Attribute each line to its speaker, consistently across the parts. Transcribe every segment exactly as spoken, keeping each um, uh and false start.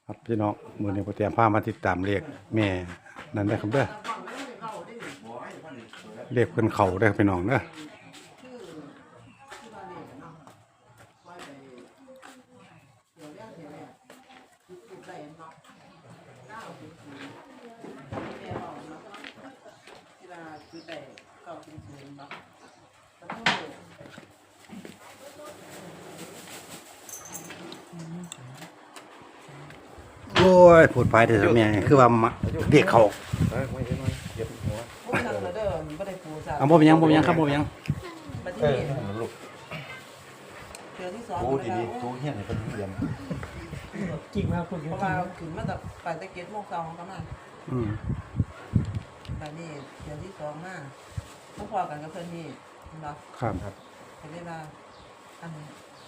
Speaker 1: ครับพี่น้องมือนี้ผมเตรียมพามาติดตามเลขแม่นั่นได้อครับเด้อเลขเป็นเขาได้อพี่น้องเด้อโอ้ยพูดไปเด้อแม่คือว่ามาเลขเขา
Speaker 2: เอ้ยไม่ใช่ไม่เหยียบหัว
Speaker 3: พวกนั้นเด้อมันบ่ได้ปูซะ
Speaker 1: เอาบ่เป็นหยังบ่เป็นหยังครับบ่เป็นหยัง
Speaker 3: บัด
Speaker 2: เอ
Speaker 3: นี้
Speaker 2: อมันลูก
Speaker 3: เทื่อที่สอง
Speaker 2: โอ้
Speaker 3: นะ
Speaker 2: ดี
Speaker 3: ค
Speaker 2: ดี
Speaker 3: รับ
Speaker 2: ตู้เฮี้ยนให้เป็นเรียน
Speaker 4: จริงมากคุณ
Speaker 3: เพราะว่าขึ้นมาจากไปตะเกียบโมงสองประมาณ
Speaker 1: อืม
Speaker 3: บัดนี้เทื่อที่สองมาต้องพอกันกับเพิ่นนี่เห็นบ่
Speaker 1: ครับครับ
Speaker 3: เห็นได้ว่าอันนี้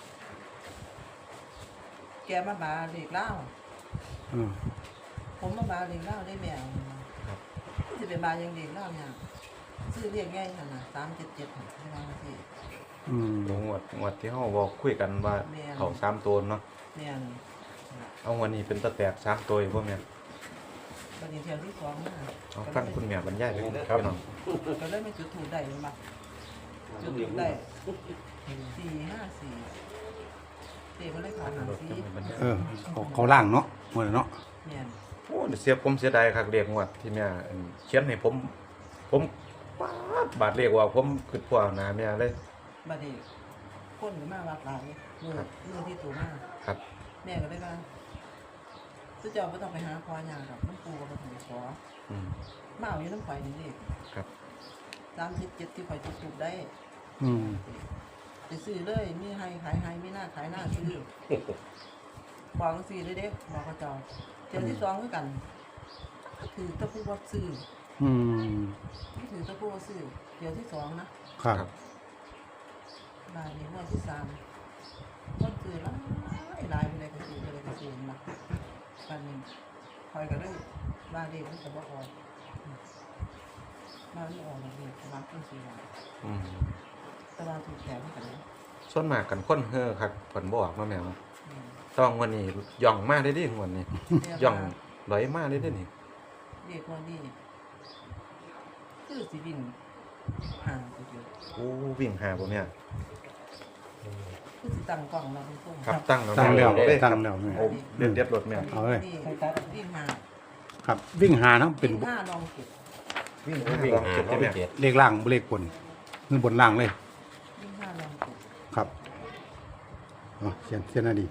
Speaker 3: แกมาบาเด็กเล่า
Speaker 1: อืม
Speaker 3: ผมมาบาเด็กเล่าได้แมวสิเป็นบายังเด็กเล่าเนี่ยซื้อเรียกง่ายนั่นน่ะสามเจ็ดเจ็ดไม่ว่าสิ
Speaker 1: อืม
Speaker 2: งวดงวดที่เฮาบอกคุยกันว่าเขาสามตัวเนาะ
Speaker 3: แม่น
Speaker 2: เอาวันนี้เป็นตะแตกสามตัวบ่แม่น
Speaker 3: บัดนี้เทื่อที่สองมา
Speaker 2: เอาฟังคุณแม่บรรยายไปครับพี่น้อง
Speaker 3: ก็เลยไม่จุดถูกได้มาจุดถูกได้สี่ห้าสี่เด็กมันเลยขอหางสี่
Speaker 1: เออเขาเขาล่างเนาะหมดแล้วเนาะ
Speaker 3: เนี่ย
Speaker 2: โอ้เสียผมเสียดายคักเรียกงวดที่แม่เขียนให้ผม ผมปาดบาดเรียกว่าผมคิดพวกหน้าแม่เลย
Speaker 3: บัดนี้คนก็มาวัดหลายมือมือที่ตัวมา
Speaker 2: ครับ
Speaker 3: แม่ก็เลยว่าสุเจ้าไม่ต้องไปหาคอยางกับน้ำปูกับน้ำขอ
Speaker 2: อืม
Speaker 3: มาเอาอยู่น้ำข่อยนี่เด็ก
Speaker 2: ครับ
Speaker 3: สามสิบเจ็ดที่ข่อยจุดถูกได้
Speaker 1: อืม
Speaker 3: ไปซื้อเลยมีให้ขายให้มีหน้าขายหน้าซื้อบอกกันซื้อเลยเด็กบอกเขาเจ้าเจ้าที่สองคือกันถือตะปูวัดซื้อ
Speaker 1: อืม
Speaker 3: ถือตะปูวัดซื้อเจ้าที่สองนะครับ บาทนี้งวดที่สามต้นซื้อหลายหลายไปเลยก็ซื้อไปเลยก็ซื้อมาปันนี้คอยก็ได้บาทเด็กมันจะว่าออกมาไม่ออกเลยบางต้นซื้อมา
Speaker 2: อืม
Speaker 3: ตะวันถูกแถมกันนะ
Speaker 2: ส่วนมากกันคนเฮ้อคักเพิ่นบ่ออกเนาะแม่เนาะต้องวันนี้ย่องมาได้ดิงวดนี้ย่องลอยมาได้ดินี่
Speaker 3: เด็กวันนี้คือสิบินห่างไปอยู่
Speaker 2: โอ้วิ่งหาบ่แม่
Speaker 3: คือสิตั้งกล่องเราเป็นต้น
Speaker 2: ครับตั้ง
Speaker 1: ตั้งแล้ว
Speaker 2: เด้อค
Speaker 1: ตั้
Speaker 2: รับ
Speaker 1: งแล้วแม่
Speaker 2: โอ้เด็ดเด็ดรถแม่
Speaker 1: เอาเลย
Speaker 3: นี่วิ่งห่าง
Speaker 1: ครับวิ่งหาทั้งเป็น
Speaker 3: วิ่งห้าลองเก็บ
Speaker 2: วิ่งหาลองเก็บได้แม่
Speaker 1: เลขล่างบ่เลขบนคือบนล่างเลย
Speaker 3: วิ่งห้าลองเก็บ
Speaker 1: ครับอ๋อเขียนเขียนหน่อยดี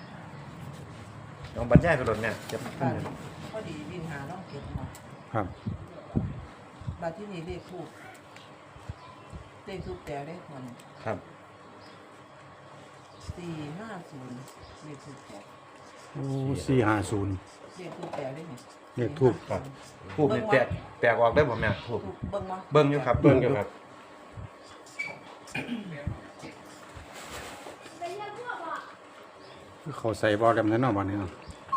Speaker 2: ลองบรรยายไปรถแม่เก็บ
Speaker 3: บ้านพอดีวิ่งหาลองเก็บมา
Speaker 1: ครับ
Speaker 3: บ้านที่นี่เลขคู่เลขทุกแต่เลขมัน
Speaker 2: ครับ
Speaker 3: สี่ห้าศูนย์เลขทุกแต่
Speaker 1: โอ้สี่ห้าศูนย์
Speaker 3: เลขทุกแต่ได้ไหม
Speaker 1: เลขทูป
Speaker 2: ครับทูบนี่แตกแตกออกได้บ่แม่ทูบ
Speaker 3: ถูกเบิ้งมา
Speaker 2: เบิ่งอยู่ครับเบิ่งอยู่ครับ
Speaker 1: เขาใส่บอลดำนั้นเนาะบ้านนี้เนาะ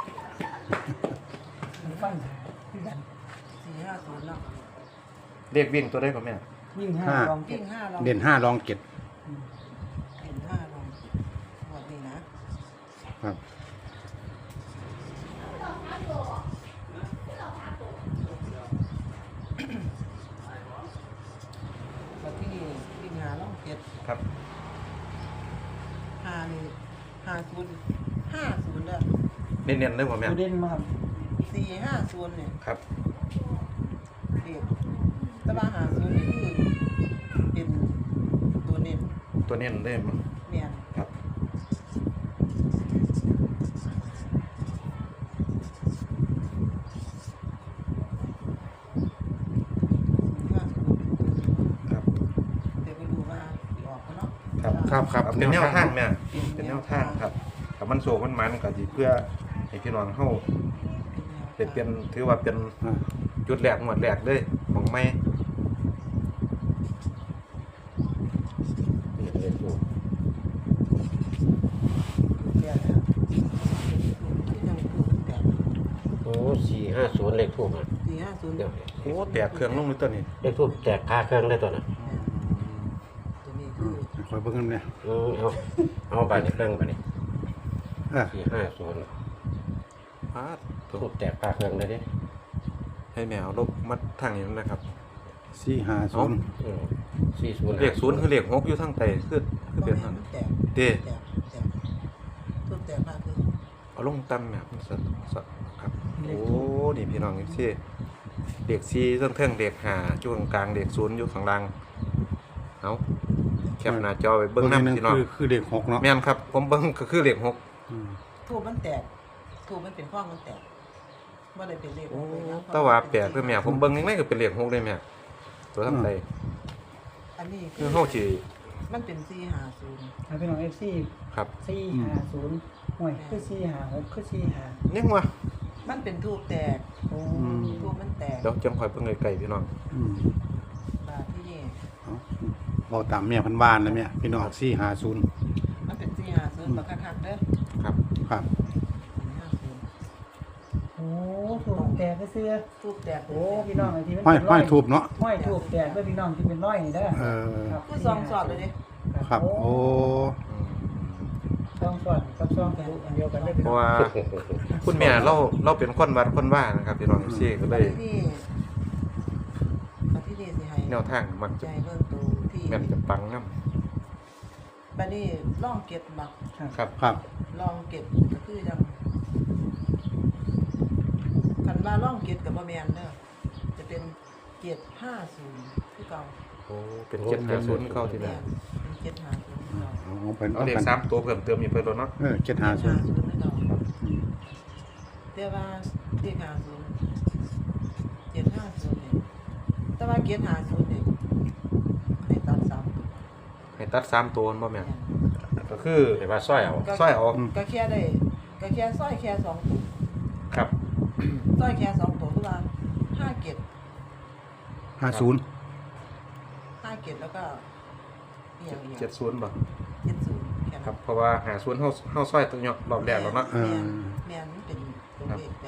Speaker 4: ฟังคือกัน
Speaker 3: สี่ห้าศูนย์เนาะ
Speaker 2: เรียกวิ่งตัวได้บ่แม่
Speaker 4: ยิ่งห้าลองเก็
Speaker 3: วิ่
Speaker 4: บ
Speaker 3: งห้าลอง
Speaker 1: เด่นห้าลองเก็ด
Speaker 3: เด่นห้าลองเก็บหมดนี้นะครับ บ้านที่นี่วิ่งหาลองเก็บ
Speaker 2: ครับ
Speaker 3: ห้านี่ห้าศูนย์ห้าศูนย์เด้อ
Speaker 2: เน้นๆได้บ่แม่
Speaker 4: ตัวเด่นมาก
Speaker 3: สี่ห้าศูนย์เนี่ย
Speaker 2: ครับ
Speaker 3: เด็กแต่ว่าห้าศูนย์นี่คือเป็นตัวเน้น
Speaker 2: ตัวเน้นได้บ่
Speaker 3: เนี่ย
Speaker 2: ครับ
Speaker 3: ห้าศูนย์
Speaker 2: ครับ
Speaker 3: เดี๋ยวไปดูว่าสิออกเขาเนาะ
Speaker 2: ครับครับครับเป็นแนวทางแม่เป็นแนวทางครับถ้ามันโศกมันมันก็สิเพื่อให้พี่น้องเฮาได้เป็นถือว่าเป็น
Speaker 1: อ่า
Speaker 2: จุดแรกหมวดแรกเลยของใหม่นี่เลขทูบ
Speaker 3: เดี๋ยวนะที่ยังคือแต่
Speaker 5: โอ้สี่ห้าศูนย์เลขทูบอ่ะ
Speaker 3: สี่ห้าศูนย์
Speaker 5: เดี๋ยว
Speaker 2: โอ้แตกเครื่องลงเลยตัวนี้
Speaker 5: เลขทูบแตกคาเครื่องได้ตัวน่ะ
Speaker 3: ตัวนี้คือ
Speaker 1: คอยเบิ่งกันเนี่ย
Speaker 5: อืมเอาเอาไปในเครื่องไปนี่
Speaker 1: อ่า
Speaker 5: สี่ห้าศูนย์
Speaker 2: พาดโต
Speaker 5: ทูบแตกคาเครื่องเลยเดิ
Speaker 2: ให้แมวลบมัดทางนี้นะครับ
Speaker 1: สี่ห้าศูนย์
Speaker 5: สี่ศูนย์
Speaker 2: เลขศูนย์คือเลขหกอยู่ทางใต้คือคือเป็น
Speaker 3: บ่
Speaker 2: นั่น
Speaker 3: แม่นมันแตก
Speaker 2: เด้
Speaker 3: แตกแตกทุกแตกมากคือ
Speaker 2: เอาลงต่ำแบบมันสัตว์สัตว์ครับโอ้นี่พี่น้องซี่เลขสี่เทิงๆเลขห้าอยู่กลางๆเลขศูนย์อยู่ข้างล่างเอาแคปหน้าจอไว้เบิ่งนำ
Speaker 1: นึง
Speaker 2: พี่น้อง
Speaker 1: คือคือเด็กหกเนาะ
Speaker 2: แม่นครับผมเบิ่งก็คือเลขหก
Speaker 1: อืม
Speaker 3: ทูบมันแตกทูบมันเป็นข้องมันแตกบ่ได้เป็นเลข
Speaker 2: โอ้
Speaker 3: เลยนะ
Speaker 2: แต่ว่าแปลกคือแม่ผมเบิ่งยังไงก็เป็นเลขหกเลยแม่ตัวทางใต้
Speaker 3: อันนี้
Speaker 2: คือเฮาสิ
Speaker 3: มันเป็นสี่ห้าศูนย์
Speaker 4: เอาพี่น้องเอฟซี
Speaker 2: ครับ
Speaker 4: สี่ห้าศูนย์ห่วยคือสี่ห้าหกคือสี่ห้า
Speaker 2: ยังว่า
Speaker 3: มันเป็นทูบแตก
Speaker 4: โอ้
Speaker 3: ทูบมันแตก
Speaker 2: เดี๋ยวจังคอยเบิ่งไกลๆพี่น้อง
Speaker 1: อืม
Speaker 3: บาทที่นี่
Speaker 1: เอาเอาตามแม่พันบ้านนะแม่พี่น้องสี่ห้าศูนย์
Speaker 3: มันเป็นสี่ห้าศูนย์บักคักๆเด้อ
Speaker 2: ครับ
Speaker 1: ครับ
Speaker 3: สี่ห้าศูนย์
Speaker 4: โหถูกแตกไปเสื้อ
Speaker 3: ทูบแตก
Speaker 4: โอ้พี่น้องไอ้ที่มัน
Speaker 1: ห้อย
Speaker 4: เป็น
Speaker 1: ห้
Speaker 4: ร้
Speaker 1: อ
Speaker 4: อย ย
Speaker 1: ทูบเนาะ
Speaker 4: ห้อยถูกแตกด้วยพี่น้องที่เป็นร้อยนี่เด้อ
Speaker 1: เออ
Speaker 4: ครับ
Speaker 3: คือซองสอดเลยเด้
Speaker 1: ครับ โอ้
Speaker 2: อืม
Speaker 4: ซองสอดกับซองทะลุอันเดียวกันเลยพี่
Speaker 2: เพ
Speaker 4: น้อ
Speaker 2: ราะ
Speaker 4: ง
Speaker 2: ว่าคุณแม่เราเราเป็นคนวัดคนว่านะครับพี่น้องซี่ก็
Speaker 3: บา
Speaker 2: เล
Speaker 3: ท
Speaker 2: ย
Speaker 3: ที่นี่บาทที่นี่สิให้
Speaker 2: แนวทางมัก
Speaker 3: ใจ
Speaker 2: จะ
Speaker 3: เบิ่งตัวที่
Speaker 2: แม่นจะปังนํ
Speaker 3: บัดนี้ล่องเก็บบัก
Speaker 2: ครับ
Speaker 1: ครับ
Speaker 3: ลองเก็บก็คือจังคันว่าล่องเก็บกับบ่แม่นเด้อจะเป็นเจ็ดห้าศูนย์คือเก่า
Speaker 2: โอ้เป็นเจ็ดห้าศูนย์เข้าที่
Speaker 3: แม่
Speaker 2: แล้ว
Speaker 3: นเป็นเจ็ดห้าศูนย์คือเก่า
Speaker 1: เอาเอาเป็น
Speaker 2: เอาเลข
Speaker 1: กัน
Speaker 2: สามตัวเพิ่มเติมอีกเพิ่นแล้วเนาะ
Speaker 1: เออเจ็ดห้าศูนย์
Speaker 3: เจ็ดห้าศูนย์คือเก่า
Speaker 1: อืม
Speaker 3: แต่ว่าเจ็ดห้าศูนย์เจ็ดห้าศูนย์เนี่ยแต่ว่าเจ็ดห้าศูนย์เนี่ยให้ตัดสามตัว
Speaker 2: ให้ตัดสามตัวบ่แม่น
Speaker 3: แม่น
Speaker 2: ก็คือ
Speaker 5: เห็นว่าสร้อยเอา
Speaker 2: สร้อยเอา
Speaker 3: ก็แค่ได้ก็แค่สร้อยแค่สองตัว
Speaker 2: ครับ
Speaker 3: สร้อยแค่สองตัวคือว่าห้าเก็ด
Speaker 1: ห้าศูนย์
Speaker 3: ห้าเก็ดแล้วก็อหย่างอย่าง
Speaker 2: เจ็ดศูนย์บ่
Speaker 3: เจ็ดศูนย์แค่นั้น
Speaker 2: ครับเพราะว่าหาศูนย์เฮาเฮาซอยตัวเนาะรอบแรกแล้วเนาะ
Speaker 1: เออ
Speaker 3: แม่นมันเป็นตัวเลขแบบ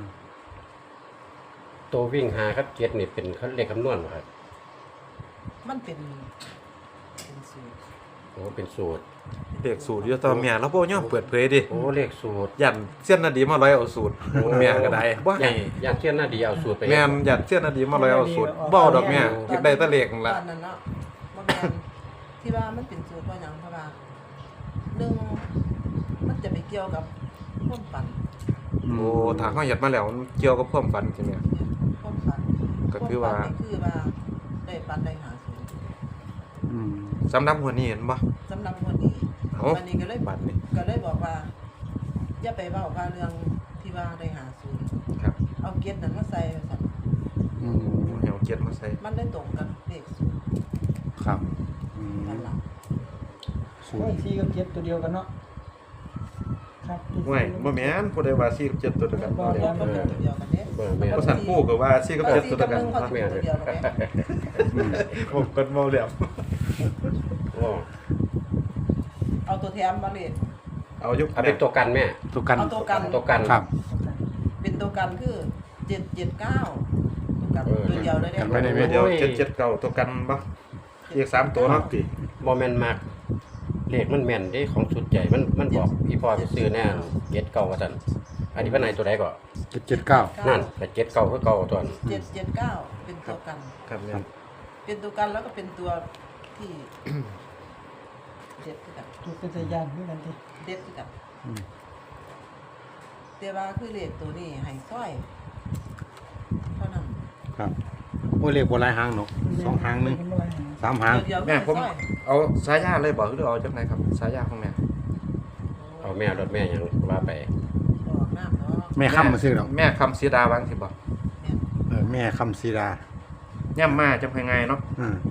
Speaker 5: ตัววิ่งหาครับเจ็ดนี่เป็นเขาเลขคำนวณเหรอครับ
Speaker 3: มันเป็นเป็นสูตร
Speaker 5: โอ้เป็นสูตร
Speaker 2: เลขสูตรอยู่แตอนแม่เราบ่ยอมเปิดเผยดิ
Speaker 5: โอ้เลขสูตร
Speaker 2: ยันเสี้ยนนาดีมาร้อยเอาสูตรแม่ก็ได้บ่ให้
Speaker 5: ย่างอย่างเช่นหน้าดีเอาสูตรไป
Speaker 2: แม่นยันเสี้ยนนาดีมาร้อยเอาสูตรบ่เอาดอกแม่อยากได้แตะเลขนั่น
Speaker 3: ต
Speaker 2: ล่ะ
Speaker 3: อนนั้นเนาะบ่แม่นที่ว่ามันเป็นสูตรเพราะหยังเพราะว่าหนึ่งมันจะไปเกี่ยวกับความฝัน
Speaker 2: โอ้ถ้าเฮายัดมาแล้วมันเกี่ยวกับความฝันใช่ไหม
Speaker 3: ความฝัน
Speaker 2: ก็คือว่า
Speaker 3: มฝันนี่คือว่าได้ฝันได้หาสูตร
Speaker 1: อืม
Speaker 2: สำหรับหัวนี้เห็นบ่
Speaker 3: สำหรับคนนี้
Speaker 2: เอ้า
Speaker 3: วันนี้ก็เลย
Speaker 2: บัดนี้
Speaker 3: ก็เลยบอกว่าอย่าไปเว้าว่าเรื่องที่ว่าได้หาสูตร
Speaker 2: ครับ
Speaker 3: เอาเกียรตินั้นมาใส่ว่าซั่น
Speaker 1: อืม
Speaker 2: เหี่ยวเกียรติมาใส่
Speaker 3: มันได้ตรงกับเลขสูตร
Speaker 1: ครับอืม
Speaker 3: นั่นล่ะ
Speaker 1: ศูน
Speaker 4: โอ้ย
Speaker 1: ย์
Speaker 4: สี่กับเจ็ดตัวเดียวกันเนาะครับ
Speaker 2: ห่วยบ่แม่นผู้ใดว่าสี่กับเจ็ดตัวเดียวกันบ่
Speaker 3: บ่
Speaker 2: เด้
Speaker 3: บ่เป็นตัวเดียวกันเด้
Speaker 5: เบอร์แม่
Speaker 2: ภาษาผู้ก็ว่าสี่กับเจ็ดตัวเดียวกัน
Speaker 3: ก็สี่กับหนึ่งเขาสิเป็นตัวเดียวกันแม่
Speaker 1: อืม
Speaker 2: ผมก็เมาแล้ว
Speaker 5: โอ้
Speaker 3: เอาตัวแถมมาเลย
Speaker 2: เอาอยู่
Speaker 5: เอาเป็นตัวกันแม่
Speaker 1: ตัวกัน
Speaker 3: เอาตัวกัน
Speaker 5: ตัวกัน
Speaker 1: ครับ
Speaker 3: เป็นตัวกันคือเจ็ดเจ็ดเก้าตัวกันตัวเดียวเลย
Speaker 1: กันไว้ใน
Speaker 3: เด้
Speaker 1: เว็บ
Speaker 2: เดี๋ยวเจ็ดเจ็ดเก้าตัวกันบ่อีกสามตัวเนาะ
Speaker 5: บ่แม่นมากเลขมันแม่นเด้ของสุดใหญ่มันมันบอกพี่พ่อไปซื้อแน่เจ็ดเก้าว่าซั่นอันนี้ว่าไหนตัวใดก็
Speaker 1: เจ็ดเจ็ดเก้า
Speaker 5: นั่นแต่เจ็ดเก้าคือเก่าตัวนั้น
Speaker 3: เจ็ดเจ็ดเก้าเป็นตัวกัน
Speaker 2: ครับแม่น
Speaker 3: เป็นตัวกันแล้วก็เป็นตัวที่ เด็ดคือกัน
Speaker 4: ถูกเป็นสายยานด้วยกันที
Speaker 3: เด็ดคือกัน
Speaker 1: อืม
Speaker 3: แต่ว่าคือเลขตัวนี้ให้ซ้อยเท่านั้น
Speaker 1: ครับโอ้ยเลขบัวลายหางเนาะสองหางหนึ่งสามหาง
Speaker 3: ตัวเดียว
Speaker 2: แม่ผม
Speaker 3: ซ้อย
Speaker 2: เอาสายยาเลยบ่หรือเอาจังไดครับสายยาของแม่
Speaker 5: เอาแม่รถแม่หยังว่าไป
Speaker 3: ออกน้ำเนาะ
Speaker 1: แม่ค้ำมาซื้อหรอก
Speaker 2: แม่คำสีดาวางสิบ่
Speaker 3: แม่น
Speaker 1: เออแม่คำศิลา
Speaker 2: ย่ำมาจังไงเนาะ
Speaker 1: อืม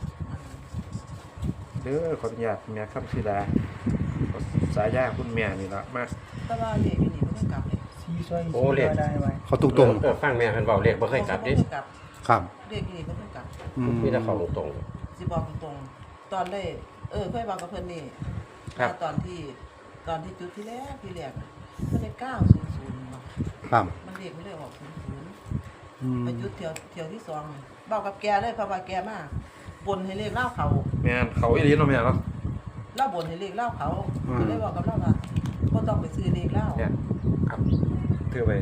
Speaker 2: เด้อขออนุญาตแม่คำสีดาสายยาคุณแม่นี่ละมา
Speaker 3: แต่ว่าเลขอยู่นี่บ่ต้องกลับเลย
Speaker 4: สี่ซอยสี่ได้ไว้
Speaker 1: เขาตุกตรง
Speaker 5: เออฟังแม่เพิ่นเว้าเลขบ่เคยกลับดิ
Speaker 3: บ่ต้องกลับ
Speaker 1: ครับ
Speaker 3: เลขอยู่นี่บ่ต้องกลับ
Speaker 1: อืม
Speaker 5: มีแต่เข้าตรง
Speaker 3: สิบอกตรงๆตอนได้เออเคยบอกกับเพิ่นนี่ว่าตอนที่ตอนที่จุดที่แรกที่แรกอะมันได้เก้าศูนย์ศูนย์มา
Speaker 1: ครับ
Speaker 3: มันเลขไม่ได้ออกศูนย์ศูนย์
Speaker 1: อืม
Speaker 3: ไปจุดเที่ยวเที่ยวที่สองนี่บอกกับแกเลยเพราะว่าแกมาบนให้เลขเล่าเขา
Speaker 2: แม่นเขาอีหลีเนาะแม่เนาะ
Speaker 3: เล่าบนให้เลขเล่าเขาก็เลยบอกกับเล่าว่าบ่ต้องไปซื้อเลขเล่า
Speaker 2: เนี่ยครับถือไป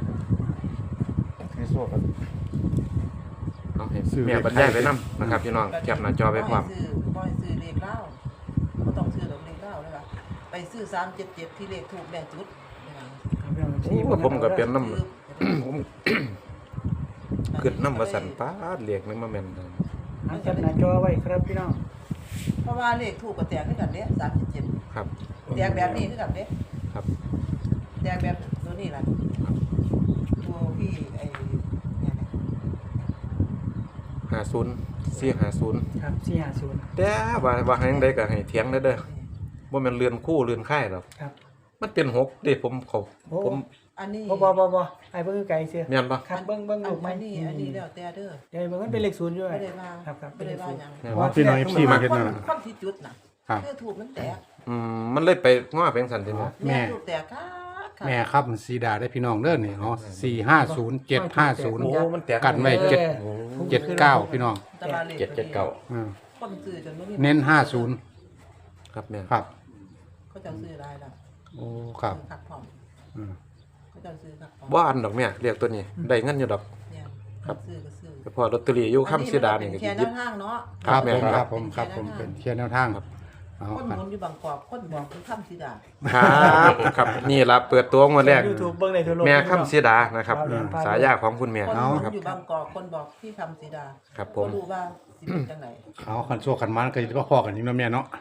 Speaker 2: ให้โซ่กันเอาให้แม่บรรยายไปนํนะครับพี่น้องแคปหน้าจอไปพร้อม
Speaker 3: บ่ให้ซื้อบ่ให้ซื้อเลขเล่าบ่ต้องซื้อดอกเลขเล่าเลยว่ะไปซื้อสามเจ็ดเจ็ดที่เลขถูกแม่จุดนี่ล่ะ
Speaker 2: โอ้ผมก็เป็นน้ำ ผมเกิดน้ำมาสั่นป้าดเรียกนึงมาแม่นเลย
Speaker 4: อันจับหน้าจอไว้ครับพี่น้อง
Speaker 3: เพราะว่าเลขถูกก็แตกคือกันเด้สามสิบเจ็ด
Speaker 2: ครับ
Speaker 3: แตกแบบนี้คือกันเด้
Speaker 2: ครับ
Speaker 3: แตกแบบตัวนี้ล่ะตัวพี่ไอ้เนี่ยนะ
Speaker 2: ห้าศูนย์สี่ห้าศูนย์
Speaker 4: ครับสี่ห้าศูนย์
Speaker 2: แต่ว่าว่าให้ยังไดก็ให้เถียงได้เด้อบ่แม่นเรือนคู่เรือนค่ายหรอก
Speaker 4: ครับ
Speaker 2: มันเป็นหกเด้ผมเขา
Speaker 4: โอ้
Speaker 2: ผม
Speaker 3: อันนี้
Speaker 4: บ่บ่บ่บ่ไอ้เบิ่งไกลเสีย
Speaker 2: แม่นบ่
Speaker 4: ครับเบิ่งเบิ่งลูกไหม
Speaker 3: อันนี้อันนี้แล้วแต่เด้อ
Speaker 4: เดี๋ยวเบิ่งมันเป็นเลขศูนย์อยู่
Speaker 3: ไม่ได้ว่า
Speaker 4: ครับครับ
Speaker 3: ไม่ได้ว่าหยัง
Speaker 2: แม่น
Speaker 1: อ๋
Speaker 2: บ่
Speaker 1: อพี่น้อง เอฟ ซี มาเฮ็ด
Speaker 3: ค
Speaker 1: นั่
Speaker 3: น
Speaker 1: นน่ะ
Speaker 3: คนที่จุดน่ะ
Speaker 1: ครับ
Speaker 3: คือถูกมันแตก
Speaker 2: อืมมันเลยไปง้อเป็นสันติแม่
Speaker 1: แม่
Speaker 3: ถูกแตกค่ะค่ะ
Speaker 1: แม่ครับสีดาได้พี่น้องเด้อนี่เนาะสี่ห้าศูนย์เจ็ดห้าศูนย์
Speaker 2: โอ้มันแตก
Speaker 1: กันไว้เจ็ด
Speaker 2: โอ้
Speaker 1: เจ็ดเก้าพี่น้อง
Speaker 3: ตลาดลข
Speaker 5: เจ็ดเจ็ดเก้า
Speaker 1: อืม
Speaker 3: คนซื้อจนบ่มี
Speaker 1: เน้นห้าศูนย์
Speaker 2: ครับแม่
Speaker 1: ครับ
Speaker 3: เขาจะซื้อรายละ
Speaker 1: โอ้ครับ
Speaker 3: ซื้อคักพร้อม
Speaker 1: อืม
Speaker 3: เขาจะซื้อคักพร้อม
Speaker 2: บ่อันดอกแม่เรียกตัวนี้ได้เงินอยู่ดอก
Speaker 3: เนี่ย
Speaker 2: ครับ
Speaker 3: ซื้อก็ซื้อ
Speaker 2: แต่พอลอตเตอรี่อยู่ค้ำสีดานี่ก็
Speaker 3: แค่
Speaker 2: สิห
Speaker 3: แน
Speaker 2: ยิบ
Speaker 3: วทางเนาะ
Speaker 1: ครับ
Speaker 2: แม่
Speaker 1: ผม
Speaker 2: ค
Speaker 1: ค
Speaker 2: รั
Speaker 1: รับ บผมครับผมเป็นเชียร์แนวทางเอา
Speaker 3: คน
Speaker 1: ครับ
Speaker 3: หมุนอยู่บางกอกคนบอกคือค้ำสีดา
Speaker 2: ครับครับนี่ล่ะเปิดตัวงวดแรก
Speaker 4: ยูทูบเบิ่งในทั่วโลก
Speaker 2: แม่ค้ำสีดานะครับ
Speaker 4: ครับ
Speaker 2: สายาของคุณแม่
Speaker 3: คนหมุน
Speaker 2: ครับ
Speaker 3: อยู่บางกอกคนบอกพี่ค้ำสีดา
Speaker 2: ครับผม
Speaker 3: รู้ว่าสิเป็นจังไหน
Speaker 1: เอาคันโชคคันมันก็จะมาพอกันนี่เนาะแม่เนาะ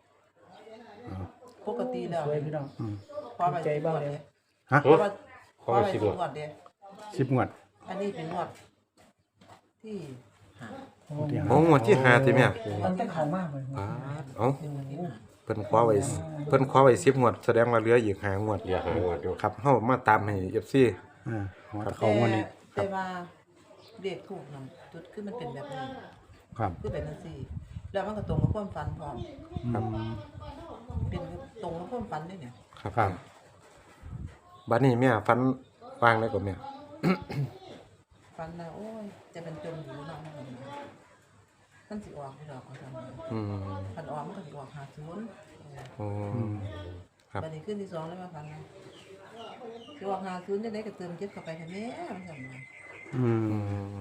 Speaker 3: ปกติแล้ว
Speaker 4: สวยพี่น้อง
Speaker 1: อืม
Speaker 3: พอไป
Speaker 4: ใจบ้างเลย
Speaker 1: ฮะ
Speaker 3: เพราะว่าพ
Speaker 5: เขา
Speaker 3: อ
Speaker 5: ไป
Speaker 3: ไป
Speaker 5: สิบ
Speaker 3: สิ
Speaker 5: งวด
Speaker 3: งวดเด้
Speaker 1: สิบงวด
Speaker 3: อันนี้เป็นงวดที่หา
Speaker 4: โอ้
Speaker 2: โอ้งวดที่ห้าที่แม่
Speaker 4: มันแต่เขามากเลย
Speaker 2: ปาดเอ้า
Speaker 3: เป็นงวดที่หา
Speaker 2: เพิ่นคว้าไว้เพิ่นคว้าไว้สิบงวดแสดงว่าเหลืออีกห้างวด
Speaker 5: เดี๋ยวหางวดอยู่
Speaker 2: ครับเฮามาตามให้ เอฟ ซี
Speaker 1: อ่าหัวตะเขางวดนี้
Speaker 3: แต่ว่าเรียกถูกนํจุดคือมันเป็นแบบนี้
Speaker 1: ครับ
Speaker 3: คือเป็นจังซี่ แล้วมันก็ตรงกับความฝันพร้อม
Speaker 2: ครับ
Speaker 3: เป็นตรงกับความฝันด้วยเนี่ย
Speaker 2: ครับ
Speaker 1: ครับ
Speaker 2: บัดนี้แม่ฟันวางได้ก่อนแม่
Speaker 3: ฝันนะโอ้ยจะเป็นจมอยู่เนาะมันนะมันสิออกไม่ดอกเอาทำไม
Speaker 2: อืม
Speaker 3: ฝันออกมันก็สิออกหาศูนย์
Speaker 2: โอ้
Speaker 1: อืม
Speaker 2: ครับ
Speaker 3: บัดนี้ขึ้นที่สองแล้วมาฝันนะสิออกหาศูนย์จะได้ก็เติมเจ็ดเข้าไปกันแม่มันสั่นมา
Speaker 1: อื
Speaker 2: อื
Speaker 1: ม
Speaker 2: ม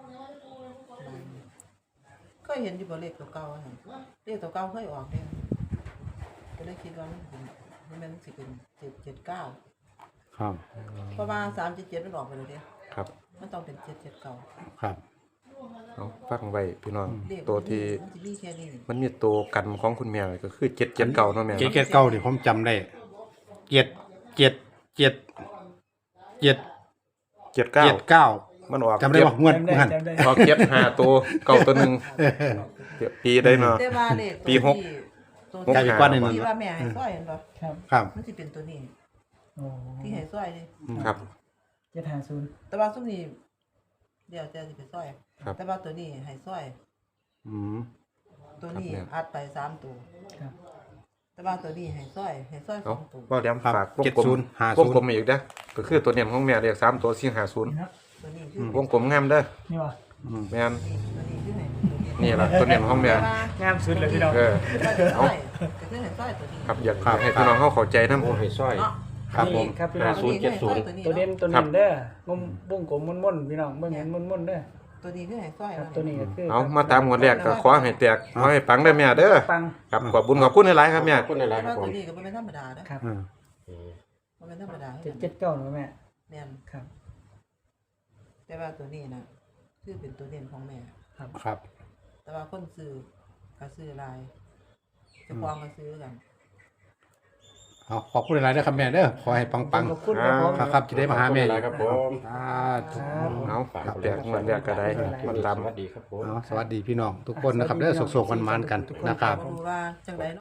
Speaker 3: ก็เห็นอยู่บ่เลขตัวเก่าอะหั่นเลขตัวเก่าเคยออกเด้ก็เลยคิดว่ามันเป็นมันแม่นสิเป็นเจ็ดเจ็ดเก้า
Speaker 1: ครับ
Speaker 3: เพราะว่าสามเจ็ดเจ็ดมันออกไปเลยเด้
Speaker 2: ครับ
Speaker 3: มันต้องเป็นเจ็ดเจ็ดเก้า
Speaker 1: ครับ
Speaker 2: เอาฟังไว้พี่น้อง
Speaker 3: เลข
Speaker 2: ตัวที่
Speaker 3: มันสิมีแค่นี้
Speaker 2: มันมีตัวกันของคุณแม่ก็คือเจ็ดเจ็ดเก่าเนาะแม่
Speaker 1: เจ็ด
Speaker 2: เนาะ
Speaker 1: เจ็ดเก้านี่ผมจำได้เจ็ดเจ็ดเจ็ดเจ็ด
Speaker 2: เจ็ดเก้า
Speaker 1: เจ็ดเก้า
Speaker 2: มันออก
Speaker 1: จำได้ป่ะงวด
Speaker 4: จำได้
Speaker 1: หัน
Speaker 4: จำได้
Speaker 2: ออกเจ็ดห้าตัวเก่าตัวหนึงเดี๋ยวปีได้เนาะ
Speaker 3: แต่ว่าเลขตัว
Speaker 2: ปีหก
Speaker 3: ที่ตัว
Speaker 2: หก
Speaker 1: กลายเป็นก้อนหนึ่ง
Speaker 3: ที่ว่าแม่ให้ซ้อยเห็นบ่
Speaker 4: ครับ
Speaker 1: ครับ
Speaker 3: มันสิเป็นตัวนี้
Speaker 4: โอ้
Speaker 3: ที่ให้ซ้อยนี่
Speaker 2: ครับ
Speaker 4: เจ็ดห้าศูนย์
Speaker 3: แต่ว่าซุมนี้เดี๋ยวจะสิเป็นซ้อย
Speaker 2: ครับ
Speaker 3: แต่ว่าตัวนี้ให้ซ้อย
Speaker 1: อืม
Speaker 3: ตัวนี้
Speaker 2: ครับแม่
Speaker 3: อัดไปสามตัว
Speaker 4: ครับ
Speaker 3: แต่ว่าตัวนี้ให้ซ้อยให้ซ้อยส
Speaker 2: เอา
Speaker 3: องตัว
Speaker 2: ว่าเดี๋ยว
Speaker 1: ครับ
Speaker 2: ฝากวง
Speaker 1: เจ็ด
Speaker 2: กล
Speaker 1: ศู
Speaker 2: ม
Speaker 1: นย์ห้าว
Speaker 2: ง
Speaker 1: ศูน
Speaker 2: กลม
Speaker 1: ย์
Speaker 2: อีกนะก็คือตัวเนียของแม่เรียกสามตัวสี่ห้าศูนย์
Speaker 4: นี่ครับ
Speaker 3: ตัวนี้คือ
Speaker 1: ม
Speaker 2: วงกลมงามเด้อ
Speaker 4: นี่วะ
Speaker 1: อืม
Speaker 2: แม่น
Speaker 3: ตัวนี้คือให้ตัวนี้
Speaker 2: นี่ล่ะตัวเนียของแม่
Speaker 3: แต่ว่
Speaker 4: งามสุดเลยพี่น้อง
Speaker 2: เออ
Speaker 3: เอาก็คือให้ซ้อยตัวนี้
Speaker 2: ครับอยากให้พี่น้องเขาเข้าใจนำ
Speaker 5: โอ้ให้ซอย
Speaker 3: เนาะ
Speaker 1: ครับผม
Speaker 4: นี่ครับพี่น้อง
Speaker 5: ศูนย์เจ็ดศูนย์
Speaker 4: ตัวเด่นตัว
Speaker 2: ครั
Speaker 4: เด่
Speaker 2: บ
Speaker 4: นเด้องมบุ้งกลมม่นๆพี่น้องเบิ่งเห็นม่นๆเด้อ
Speaker 3: ตัวนี้คือให้ซ้อย
Speaker 4: ครับ
Speaker 3: เนาะ
Speaker 4: ตัวนี้ก็คือ
Speaker 2: เอามาตามงวดแรกก็ขอให้แตกขอให้ปังได้อแม่เด้อ
Speaker 4: ปัง
Speaker 2: ครับขอบคุณขอบคุณหลายๆครับแม่
Speaker 5: ขอบคุณหลายๆค
Speaker 3: แต่
Speaker 5: รับ
Speaker 3: ว่า
Speaker 5: ผ
Speaker 3: ตั
Speaker 5: ม
Speaker 3: วนี้ก็บ่แม่นธรรมดาเด้อ
Speaker 4: ครับ
Speaker 1: อืม
Speaker 5: อืม
Speaker 3: บ่แม่นธรรมดา
Speaker 4: เจ็ดเจ็ดเก้าหนูแม่
Speaker 3: แม่น
Speaker 4: ครับ
Speaker 3: แต่ว่าตัวนี้นะคือเป็นตัวเด่นของแม่
Speaker 1: ครับ
Speaker 3: แต่ว่าคนซื้อก็ซื้อหลายเจะควงก็ซื้อกัน
Speaker 1: เอาขอบคุณหลายๆด้วยครับแม่เด้อขอให้ปัง
Speaker 4: ขอบคุณครับผม
Speaker 1: ๆครับครับจะได้มาหาแม่
Speaker 5: ขอบคุณหลายๆครับผม
Speaker 1: อ่าธุ
Speaker 2: เอาแตกงวดแรกก็ได้มันลำ
Speaker 5: สวัสดีครับผม
Speaker 1: เอาสวัสดีพี่น้องทุกคนนะครับเด้อสุขๆมันๆกันนะครับ
Speaker 3: บ่รู้ว่าจังไดเนาะ